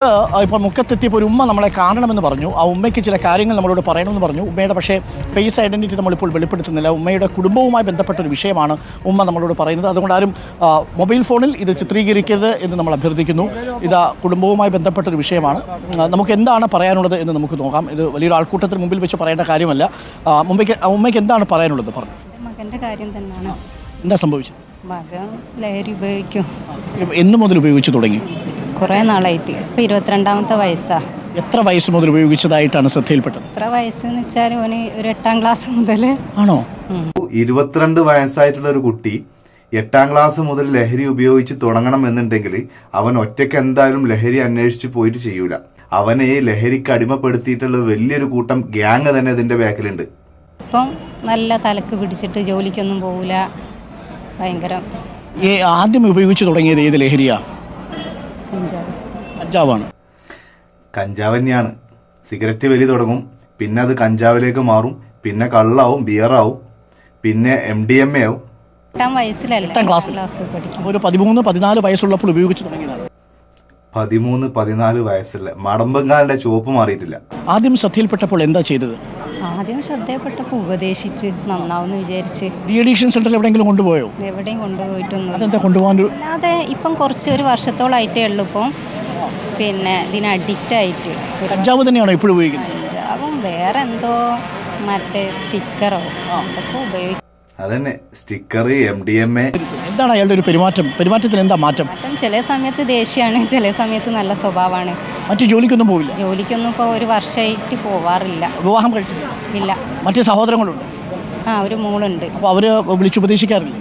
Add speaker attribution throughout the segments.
Speaker 1: ഇപ്പോൾ മുക്കത്തെത്തിയപ്പോൾ ഒരു ഉമ്മ നമ്മളെ കാണണമെന്ന് പറഞ്ഞു. ആ ഉമ്മയ്ക്ക് ചില കാര്യങ്ങൾ നമ്മളോട് പറയണമെന്ന് പറഞ്ഞു. ഉമ്മയുടെ പക്ഷേ ഫേസ് ഐഡൻറ്റിറ്റി നമ്മളിപ്പോൾ വെളിപ്പെടുത്തുന്നില്ല. ഉമ്മയുടെ കുടുംബവുമായി ബന്ധപ്പെട്ട ഒരു വിഷയമാണ് ഉമ്മ നമ്മളോട് പറയുന്നത്. അതുകൊണ്ട് ആരും മൊബൈൽ ഫോണിൽ ഇത് ചിത്രീകരിക്കരുത് എന്ന് നമ്മൾ അഭ്യർത്ഥിക്കുന്നു. ഇത് കുടുംബവുമായി ബന്ധപ്പെട്ട ഒരു വിഷയമാണ്. നമുക്ക് എന്താണ് പറയാനുള്ളത് എന്ന് നമുക്ക് നോക്കാം. ഇത് വലിയൊരു ആൾക്കൂട്ടത്തിന് മുമ്പിൽ വെച്ച് പറയേണ്ട കാര്യമല്ല. ഉമ്മയ്ക്ക് എന്താണ് പറയാനുള്ളത് പറഞ്ഞു.
Speaker 2: മകൻ്റെ കാര്യം തന്നെയാണ്.
Speaker 1: എന്താ സംഭവിച്ചത്?
Speaker 2: മകൻ ലഹരി ഉപയോഗിക്കും.
Speaker 1: എന്ന് മുതൽ ഉപയോഗിച്ചു തുടങ്ങി?
Speaker 2: കുറേ നാളായിട്ട്. ഇപ്പം 22ാമത്തെ വയസ്സാണ്.
Speaker 1: എത്ര വയസ്സ് മുതൽ ഉപയോഗിച്ചതായിട്ടാണ് ശ്രദ്ധയിൽപ്പെട്ടത്?
Speaker 2: എത്ര വയസ്സെന്ന് വെച്ചാൽ ഓന് ഒരു 8ാം ക്ലാസ് മുതൽ.
Speaker 1: ആണോ?
Speaker 3: 22 വയസ്സായിട്ടുള്ള ഒരു കുട്ടി 8ാം ക്ലാസ് മുതൽ ലഹരി ഉപയോഗിച്ച് തുടങ്ങണം എന്നുണ്ടെങ്കിൽ അവൻ ഒറ്റയ്ക്ക് എന്തായാലും ലഹരി അന്വേഷിച്ച് പോയിട്ട് ചെയ്യൂല. അവനെ ലഹരിക്ക് അടിമപ്പെടുത്തിയിട്ടുള്ള വലിയൊരു കൂട്ടം ഗ്യാങ് തന്നെ ഇതിന്റെ ബാക്കിലുണ്ട്.
Speaker 2: ഇപ്പം നല്ല തലക്ക് പിടിച്ചിട്ട് ജോലിക്കൊന്നും പോകില്ല. ഭയങ്കര.
Speaker 1: ആദ്യം ഉപയോഗിച്ചു തുടങ്ങിയത് ഏത് ലഹരിയാ? കഞ്ചാവാണ്.
Speaker 3: കഞ്ചാവ് തന്നെയാണ്. സിഗരറ്റ് വലി തുടങ്ങും, പിന്നെ അത് കഞ്ചാവിലേക്ക് മാറും, പിന്നെ കള്ളാവും, ബിയറാവും, പിന്നെ MDMA ആവും.
Speaker 2: 8ാം വയസ്സിലല്ല,
Speaker 1: 8ാം ക്ലാസ്
Speaker 2: പഠിക്കും.
Speaker 1: ഒരു 13-14 വയസ്സുള്ളപ്പോൾ ഉപയോഗിച്ചു തുടങ്ങിയതാണ്.
Speaker 3: 13-14 വയസ്സുള്ള മടമ്പങ്കാലിന്റെ ചോപ്പ് മാറിയിട്ടില്ല.
Speaker 1: ആദ്യം ശ്രദ്ധയിൽപ്പെട്ടപ്പോൾ എന്താ ചെയ്തത്?
Speaker 2: ആദ്യം ശ്രദ്ധയപ്പെട്ടപ്പോൾ ഉപദേശിച്ച് നന്നാവുമെന്ന് വിചാരിച്ച്.
Speaker 1: ഡി അഡിക്ഷൻ സെന്ററിൽ എവിടെയെങ്കിലും കൊണ്ടുപോയോ?
Speaker 2: എവിടെയും കൊണ്ടുപോയിട്ടൊന്നും.
Speaker 1: അതെന്താ കൊണ്ടുപോകാൻ?
Speaker 2: അല്ലാതെ ഇപ്പം ഒരു വർഷത്തോളായിട്ടേ ഉള്ളൂ. ഇപ്പം പിന്നെ ഇതിന് അഡിക്റ്റ് ആയിട്ട്.
Speaker 1: കഞ്ചാവ് തന്നെയാണോ ഇപ്പോഴും ഉപയോഗിക്കുന്നത്?
Speaker 2: കഞ്ചാവും വേറെ എന്തോ മറ്റേ സ്റ്റിക്കറോ അതൊക്കെ ഉപയോഗിക്കും.
Speaker 3: അതന്നെ സ്റ്റിക്കർ, MDMA.
Speaker 1: എന്താണ് അയാളുടെ ഒരു പെരുമാറ്റത്തിൽ എന്താ മാറ്റം?
Speaker 2: ചില സമയത്ത് ദേഷ്യമാണ്, ചില സമയത്ത് നല്ല സ്വഭാവമാണ്.
Speaker 1: മറ്റു ജോലിക്കൊന്നും പോവില്ല?
Speaker 2: ജോലിക്കൊന്നും ഇപ്പോൾ ഒരു വർഷമായിട്ട് പോവാറില്ല.
Speaker 1: വിവാഹം കഴിച്ചില്ല?
Speaker 2: ഇല്ല.
Speaker 1: മറ്റു സഹോദരങ്ങളുണ്ട്?
Speaker 2: ഒരു മോളുണ്ട്.
Speaker 1: അപ്പോൾ അവര് വിളിച്ചുപദേശിക്കാറില്ല?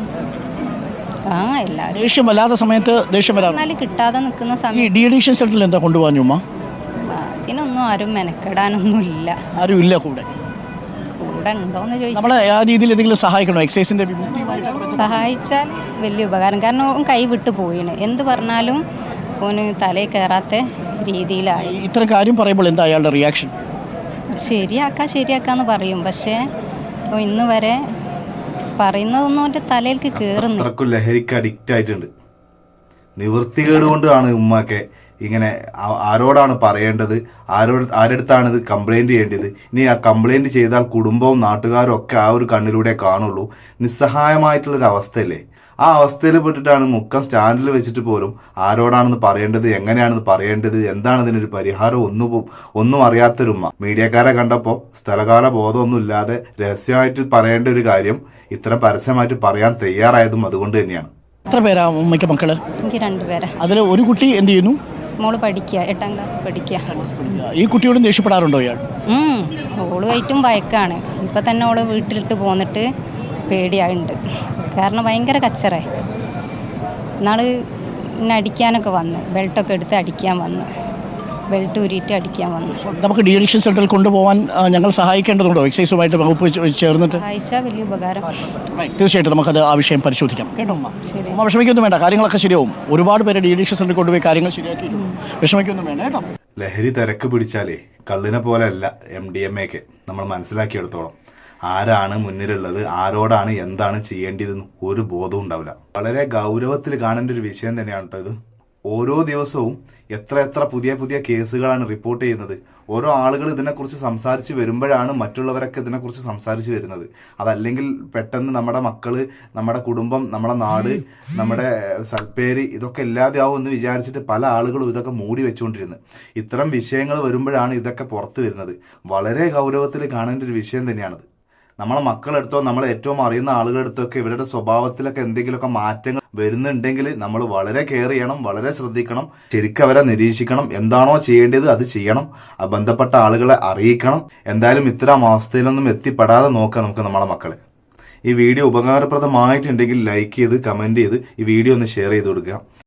Speaker 2: എല്ലാവരും.
Speaker 1: ദേഷ്യം വല്ലാത്ത സമയത്ത് ദേഷ്യം വരാറില്ല?
Speaker 2: കിട്ടാതെ നിൽക്കുന്ന
Speaker 1: ഈ
Speaker 2: സമയം.
Speaker 1: ഡി അഡിക്ഷൻ സെന്ററിൽ എന്താ കൊണ്ടുപോകാൻ ഉമ്മ?
Speaker 2: അതിനൊന്നും ആരും മെനക്കെടാനൊന്നും ഇല്ല.
Speaker 1: ആരും ഇല്ല കൂടെ?
Speaker 2: ഉണ്ടോന്ന് ചോദിച്ചാൽ
Speaker 1: നമ്മളെ ആ രീതിയിൽ എന്തെങ്കിലും സഹായിക്കണോ? എക്സൈസിന്റെ
Speaker 2: സഹായിച്ചാൽ വലിയ ഉപകാരം. കാരണം ഓൻ കൈ വിട്ട് പോയിണ്. എന്ത് പറഞ്ഞാലും ഓന് തലയിൽ കയറാത്ത രീതിയിലായി.
Speaker 1: ഇത്ര കാര്യം പറയുമ്പോൾ എന്താ അയാളുടെ റിയാക്ഷൻ?
Speaker 2: ശരിയാക്കാന്ന് പറയും. പക്ഷേ ഇന്ന് വരെ പറയുന്നതൊന്നും അവൻ്റെ തലയിലേക്ക് കയറുന്നു.
Speaker 3: അത്രക്കും ലഹരിക്ക് അഡിക്റ്റ് ആയിട്ടുണ്ട്. നിവൃത്തികേട് കൊണ്ടാണ് ഉമ്മക്കെ ഇങ്ങനെ. ആരോടാണ് പറയേണ്ടത്? ആരെടുത്താണ് ഇത് കംപ്ലൈന്റ് ചെയ്യേണ്ടത്? ഇനി ആ കംപ്ലൈന്റ് ചെയ്താൽ കുടുംബവും നാട്ടുകാരും ഒക്കെ ആ ഒരു കണ്ണിലൂടെ കാണുള്ളൂ. നിസ്സഹായമായിട്ടുള്ളൊരു അവസ്ഥയല്ലേ? ആ അവസ്ഥയിൽ പെട്ടിട്ടാണ് മുക്കം സ്റ്റാൻഡിൽ വെച്ചിട്ട് പോലും ആരോടാണെന്ന് പറയേണ്ടത്, എങ്ങനെയാണെന്ന് പറയേണ്ടത്, എന്താണ് ഇതിനൊരു പരിഹാരം ഒന്നും അറിയാത്തൊരുമ്മ മീഡിയക്കാരെ കണ്ടപ്പോൾ സ്ഥലകാല ബോധമൊന്നും ഇല്ലാതെ രഹസ്യമായിട്ട് പറയേണ്ട ഒരു കാര്യം ഇത്ര പരസ്യമായിട്ട് പറയാൻ തയ്യാറായതും അതുകൊണ്ട് തന്നെയാണ്.
Speaker 1: എത്ര പേരാ ഉമ്മയ്ക്ക് മക്കള്?
Speaker 2: എനിക്ക് 2 പേരാ.
Speaker 1: അതിൽ ഒരു കുട്ടി എന്ത് ചെയ്യുന്നു?
Speaker 2: മോള് പഠിക്കുക, 8ാം ക്ലാസ് പഠിക്കുക.
Speaker 1: ഈ കുട്ടിയോടും ദേഷ്യപ്പെടാറുണ്ടോ ഇയാൾ?
Speaker 2: ഓളുമായിട്ടും വഴക്കാണ്. ഇപ്പം തന്നെ ഓള് വീട്ടിലിട്ട് പോന്നിട്ട് പേടിയായിട്ടുണ്ട്. കാരണം ഭയങ്കര കച്ചറേ. ഇന്നാള് എന്നെ അടിക്കാനൊക്കെ വന്ന്, ബെൽറ്റൊക്കെ എടുത്ത് അടിക്കാൻ വന്ന്, ബെൽറ്റ് ഊരിയിട്ട് അടിക്കാൻ വന്നു.
Speaker 1: നമുക്ക് ഡി അഡിക്ഷൻ സെന്ററിൽ കൊണ്ടുപോകാൻ ഞങ്ങൾ സഹായിക്കേണ്ടതുണ്ടോ? എക്സൈസുമായിട്ട് വകുപ്പ് ചേർന്നിട്ട്
Speaker 2: സഹായിച്ചാൽ വലിയ ഉപകാരം.
Speaker 1: തീർച്ചയായിട്ടും നമുക്കത് ആ വിഷയം പരിശോധിക്കാം. കേട്ടോ ഉമ്മ?
Speaker 2: ശരി.
Speaker 1: ഉമ്മ വിഷമിക്കൊന്നും വേണ്ട, കാര്യങ്ങളൊക്കെ ശരിയാവും. ഒരുപാട് പേര് ഡി അഡിക്ഷൻ സെന്ററിൽ കൊണ്ടുപോയി കാര്യങ്ങൾ ശരിയാക്കി. വിഷമിക്കൊന്നും വേണ്ട കേട്ടോ.
Speaker 3: ലഹരി തിരക്ക് പിടിച്ചാലേ കള്ളിനെ പോലെ അല്ല MDMA ഒക്കെ. നമ്മൾ മനസ്സിലാക്കിയെടുത്തോളം ആരാണ് മുന്നിലുള്ളത്, ആരോടാണ് എന്താണ് ചെയ്യേണ്ടതെന്ന് ഒരു ബോധവും ഉണ്ടാവില്ല. വളരെ ഗൗരവത്തിൽ കാണേണ്ട ഒരു വിഷയം തന്നെയാണ് കേട്ടോ ഇത്. ഓരോ ദിവസവും എത്ര പുതിയ കേസുകളാണ് റിപ്പോർട്ട് ചെയ്യുന്നത്. ഓരോ ആളുകൾ ഇതിനെക്കുറിച്ച് സംസാരിച്ച് വരുമ്പോഴാണ് മറ്റുള്ളവരൊക്കെ ഇതിനെക്കുറിച്ച് സംസാരിച്ച് വരുന്നത്. അതല്ലെങ്കിൽ പെട്ടെന്ന് നമ്മുടെ മക്കള്, നമ്മുടെ കുടുംബം, നമ്മുടെ നാട്, നമ്മുടെ സൽപ്പേര് ഇതൊക്കെ ഇല്ലാതെയാവും എന്ന് വിചാരിച്ചിട്ട് പല ആളുകളും ഇതൊക്കെ മൂടി വെച്ചുകൊണ്ടിരുന്നത്. ഇത്തരം വിഷയങ്ങൾ വരുമ്പോഴാണ് ഇതൊക്കെ പുറത്തു വരുന്നത്. വളരെ ഗൗരവത്തിൽ കാണേണ്ട ഒരു വിഷയം തന്നെയാണത്. നമ്മളെ മക്കളെടുത്തോ നമ്മളെ ഏറ്റവും അറിയുന്ന ആളുകളെടുത്തൊക്കെ ഇവരുടെ സ്വഭാവത്തിലൊക്കെ എന്തെങ്കിലുമൊക്കെ മാറ്റങ്ങൾ വരുന്നുണ്ടെങ്കിൽ നമ്മൾ വളരെ കെയർ ചെയ്യണം, വളരെ ശ്രദ്ധിക്കണം. ശരിക്കും അവരെ നിരീക്ഷിക്കണം. എന്താണോ ചെയ്യേണ്ടത് അത് ചെയ്യണം. ബന്ധപ്പെട്ട ആളുകളെ അറിയിക്കണം. എന്തായാലും ഇത്തരം അവസ്ഥയിലൊന്നും എത്തിപ്പെടാതെ നോക്കാം നമുക്ക് നമ്മളെ മക്കളെ. ഈ വീഡിയോ ഉപകാരപ്രദമായിട്ടുണ്ടെങ്കിൽ ലൈക്ക് ചെയ്ത്, കമന്റ് ചെയ്ത് ഈ വീഡിയോ ഒന്ന് ഷെയർ ചെയ്ത് കൊടുക്കുക.